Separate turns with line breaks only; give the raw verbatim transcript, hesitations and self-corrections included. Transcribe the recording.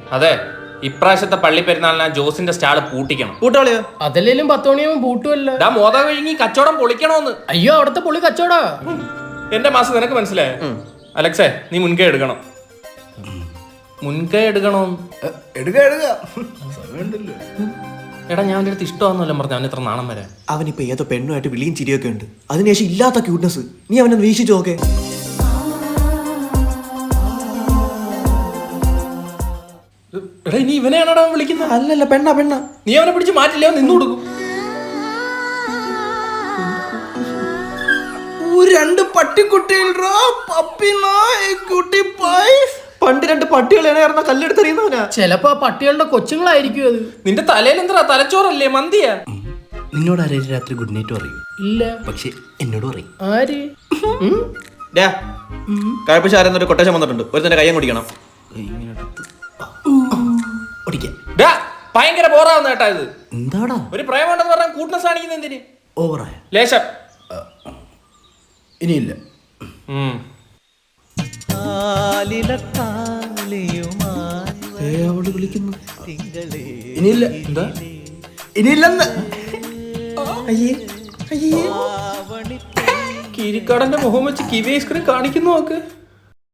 അതെ, ഇപ്രാവശ്യത്തെ പള്ളി പെരുന്നാളിന് ജോസിന്റെ സ്റ്റാള് പൂട്ടിക്കണം.
പൂട്ടാളിയോ?
അതല്ലേലും പത്ത് മണിയാകുമ്പോൾ പൂട്ടുമല്ലോ.
ഡാ മോത കഴിഞ്ഞ് കച്ചവടം പൊളിക്കണോന്ന്.
അയ്യോ, അവിടുത്തെ പൊളി കച്ചവടാ.
എന്റെ മാസം നിനക്ക് മനസ്സിലായോ? അലക്സേ, നീ മുൻകൈ എടുക്കണം. മുൻകൈ എടുക്കണോ? എടാ, ഞാൻ അവൻ്റെ അടുത്ത് ഇഷ്ടമാണെന്നല്ല പറഞ്ഞു. അവൻ ഇത്ര നാണം വരാൻ.
അവനിപ്പോ ഏതോ പെണ്ണുമായിട്ട് വിളിയും ചിരിയൊക്കെ ഉണ്ട്. അതിനുശേഷം ഇല്ലാത്ത ക്യൂട്ട്നെസ്. നീ അവനെ വീക്ഷിച്ചു നോക്കേ.
എടാ, ഇനി ഇവനെയാണോടാ വിളിക്കുന്നത്?
അല്ലല്ല, പെണ്ണ പെണ്ണ.
നീ അവനെ പിടിച്ച് മാറ്റില്ല, നിന്ന് കൊടുക്കും.
രണ്ട് പട്ടിക്കുട്ടികൾ പണ്ട് രണ്ട് പട്ടികളാണ് കല്ലെടുത്തെറിയുന്നവനാ.
ചിലപ്പോ പട്ടികളുടെ കൊച്ചുങ്ങളായിരിക്കും അത്.
നിന്റെ തലയിൽ എന്താ തലച്ചോറല്ലേ, മന്തിയാ?
നിന്നോട് ആരെയും രാത്രി ഗുഡ് നൈറ്റ് പറയും?
ഇല്ല.
പക്ഷെ എന്നോട് പറയും.
ആര്?
കഴപ്പശാരെന്നൊരു കൊട്ടേഷൻ വന്നിട്ടുണ്ട്. ഒരു തന്നെ കയ്യം കുടിക്കണം.
ഭയങ്കര ബോറാവുന്ന കേട്ടാ ഇത്.
എന്താടാ
ഒരു പ്രേമുണ്ടെന്ന് പറഞ്ഞാൽ കൂട്ട്നെസ് കാണിക്കുന്ന എന്തിന്?
ഓവറായ
ലേശം.
ഇനിയില്ല. വിളിക്കുന്നു. ഇനിയില്ല. എന്താ
ഇനിയില്ലെന്ന്?
കിരിക്കാടന്റെ മുഖം വെച്ച് കിവി ഐസ്ക്രീം കാണിക്കുന്നു നോക്ക്.